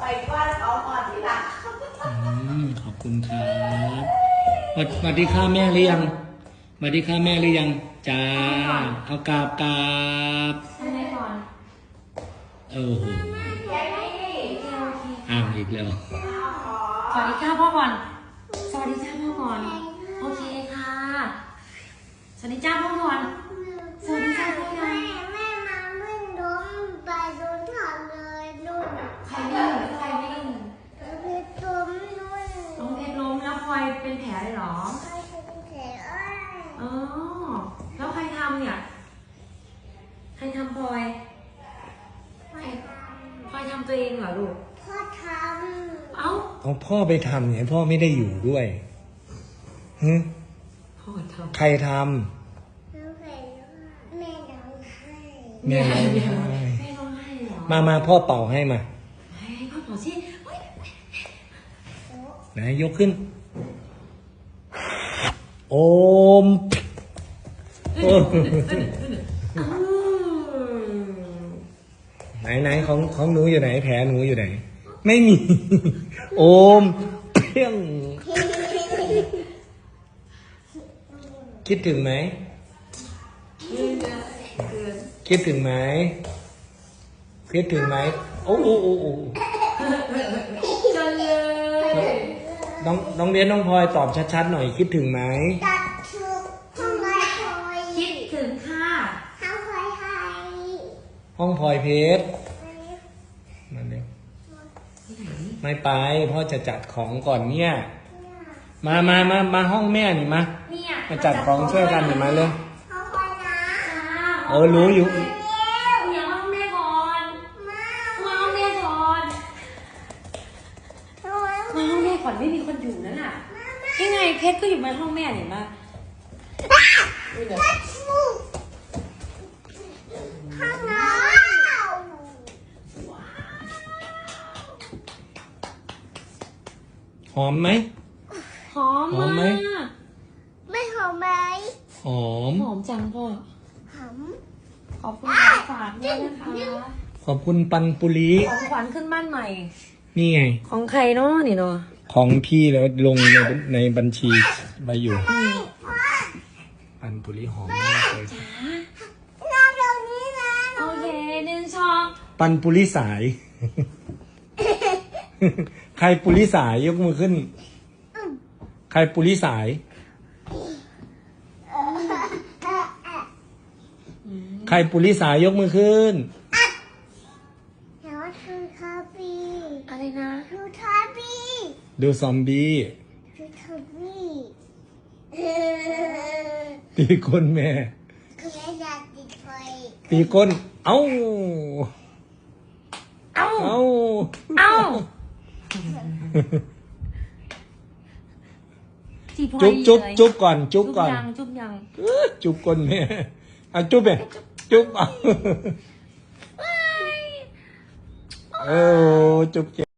ไปว่าเขาก่อนที่หลังขอบคุณครับสวัสดีค่ะแม่หรือยังสวัสดีค่ะแม่หรือยังจ้าเอากราบทำไมก่อนโอ้โหอ้าวอีกแล้วสวัสดีค่ะพ่อก่อนสวัสดีจ้าพ่อก่อนโอเคค่ะสวัสดีจ้าพ่อก่อนสวัสดีจ้าพ่อก่อนแม่มาวิ่งล้มไปโดนถอดเลยนุ่นใครวิ่งเพชรล้มนุ่นน้องเพชรล้มแล้วพลอยเป็นแผลเลยเหรอใครเป็นแผลอ๋อแล้วใครทำเนี่ยใครทำพลอยพลอยทำตัวเองเหรอลูกพ่อทำเอาพ่อไปทำเนี่ยพ่อไม่ได้อยู่ด้วยพ่อทำใครทำแม่ร้องไห้แม่ร้องไห้แม่ร้องไห้เหรอมาพ่อเป่าให้มาให้พ่อเป่าสิไหนยกขึ้นโอมไหนของหนูอยู่ไหนแผลหนูอยู่ไหนไม่มีโอมเพี้ยงคิดถึงไหมคิดถึงไหมคิดถึงไหมโอ้จังเลยน้องเรียนน้องพลอยตอบชัดๆหน่อยคิดถึงไหมตัดชุดห้องพลอยคิดถึงค่ะห้องพลอยไทยห้องพลอยเพชรมาเร็วไม่ไปพ่อจะจัดของก่อนเนี่ยมาห้องแม่นี่มาจัดของช่วยกันหน่อยมาเลยห้องพลอยนะรู้อยู่อย่าห้องแม่ก่อนมาห้องแม่ก่อนมาห้องแม่ก่อนไม่มีคนอยู่นั่นน่ะยังไงเพชรก็อยู่ในห้องแม่เห็นปะห้องน้หอมไหมหอมไหมไม่หอมไหมหอมจังพ่อหอมขอบคุณของฝากด้วยนะคะขอบคุณปันปุรีของขวัญขึ้นบ้านใหม่นี่ไงของใครเนาะนี่เนาะของพี่แล้วลงในบัญชีไว้อยู่ปันปุรีหอมมากเลยนอนตรงนี้นะโอเค1 ช้อนปันปุรีสาย ใครปุริสายยกมือขึ้นใครปุริสายใครปุริสายยกมือขึ้นแล้วคือคาบีอะไรนะดูคาบีดูซอมบี้ดูคาบีตีก้นแม่คือแม่อยากติดไฟตีก้นเอ้าจุ๊บก่อนจุ๊บยังจุ๊บก้นแม่เอาจุ๊บไปจุ๊บเอาจุ๊บ